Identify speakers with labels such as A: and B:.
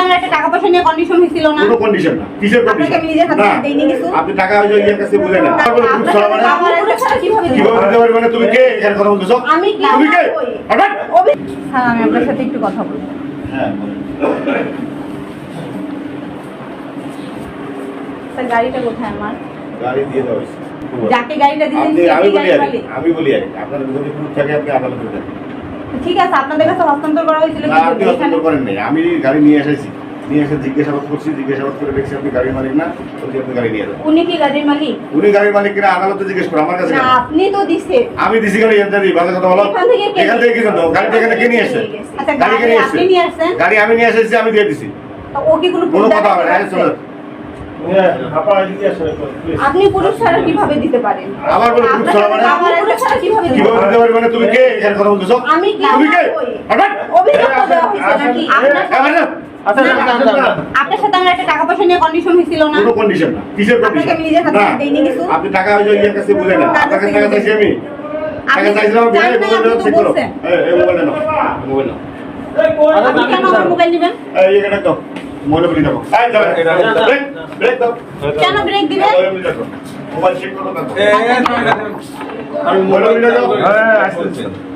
A: আমার একটা টাকা পয়সা নিয়ে কন্ডিশন হয়েছিল না?
B: কোনো কন্ডিশন না। কিসের কন্ডিশন?
A: আপনাকে আমি নিজের হাতে দেইনি কিছু।
B: আপনি টাকা ওই ইয়ের কাছে বলে না। তারপরে খুব সারা মানে
A: আমার এটা ছাড়া কিভাবে দিতে
B: কিভাবে দিতে পারবে? মানে তুমি কে এখানে কথা বলতেছো?
A: আমি কি
B: তুমি কে? হঠাৎ
A: হ্যাঁ, আমি আপনার সাথে একটু কথা বলবো।
B: হ্যাঁ
A: স্যার, গাড়িটা কোথায় আমার?
B: গাড়ি দিয়ে দাও হইছে।
A: যাকে গাড়িটা দিয়েছেন
B: আপনি
A: সেই
B: আমি বলি
A: গাড়ির
B: আগে
A: মালিক?
B: আমি বলি আগে আপনার যদি প্রুফ থাকে আপনি আদালতে দেন।
A: ঠিক আছে, আপনাদের কাছে হস্তান্তর করা হয়েছিল
B: না
A: কি
B: আপনি
A: জন্য?
B: হস্তান্তর করেন নাই। আমি গাড়ি নিয়ে এসেছি, নিয়ে এসে জিজ্ঞাসাবাদ করছি, জিজ্ঞাসাবাদ করে দেখছি আপনি গাড়ির মালিক না, বলছি আপনি গাড়ি নিয়ে যান।
A: উনি কি গাড়ির মালিক?
B: উনি গাড়ির মালিক কিনা আদালতে জিজ্ঞেস করো, আমার কাছে
A: না,
B: কেন?
A: আপনি তো দিছে।
B: আমি দিছি গাড়ি এখান থেকে ভালো কথা বলো। এখান থেকে কি করতো? গাড়িটা এখানে কে নিয়ে এসেছে?
A: আচ্ছা,
B: গাড়ি কে
A: গাড়ি
B: নিয়ে
A: আপনি
B: এসেছে?
A: নিয়ে আসছেন?
B: গাড়ি আমি নিয়ে এসেছি, আমি দিয়ে দিছি।
A: তো ও কি কোনো
B: কোনো
A: proof
B: কথা হবে না।
A: দেখাতে
B: চলো
A: পারছে? আপনি পুরুষ ছাড়া কিভাবে দিতে পারেন?
B: আবার বলে পুরুষ ছাড়া মানে?
A: আমার পুরুষ ছাড়া কিভাবে দিতে
B: কিভাবে
A: পারেন?
B: দিতে পারবে? মানে তুমি কে এখানে কথা বলতেছো?
A: আমি কি?
B: তুমি কে? হঠাৎ
A: অভিযোগ তো দেওয়া হয়েছে নাকি? আপনার সাথে আমার একটা টাকা পয়সা নিয়ে কন্ডিশন হয়েছিল না?
B: কোনো কন্ডিশন না। কিসের
A: আপনাকে
B: কন্ডিশন?
A: আমি নিজের হাতে
B: না
A: দেইনি কিছু।
B: আপনি টাকা ওই ইয়ের কাছে বলে না। আপনার কাছে টাকা চাইছি আমি। টাকা
A: আপনি
B: চাইছিলাম আমি,
A: জানেন না,
B: মোবাইলটা
A: আপনি তো
B: চেক করো।
A: বলছেন।
B: এই মোবাইলটা নাও, মোবাইল নাও।
A: আপনি কেন আমার মোবাইল নেবেন?
B: এই এখানে দাও, মোবাইল বলি দাও। এই দাও, ব্রেক ব্রেক দাও।
A: কেন ব্রেক দিবেন?
B: মোবাইল বলি দাও, মোবাইল চেক করো না। আমি মোবাইল বলি দাও। হ্যাঁ আসছে।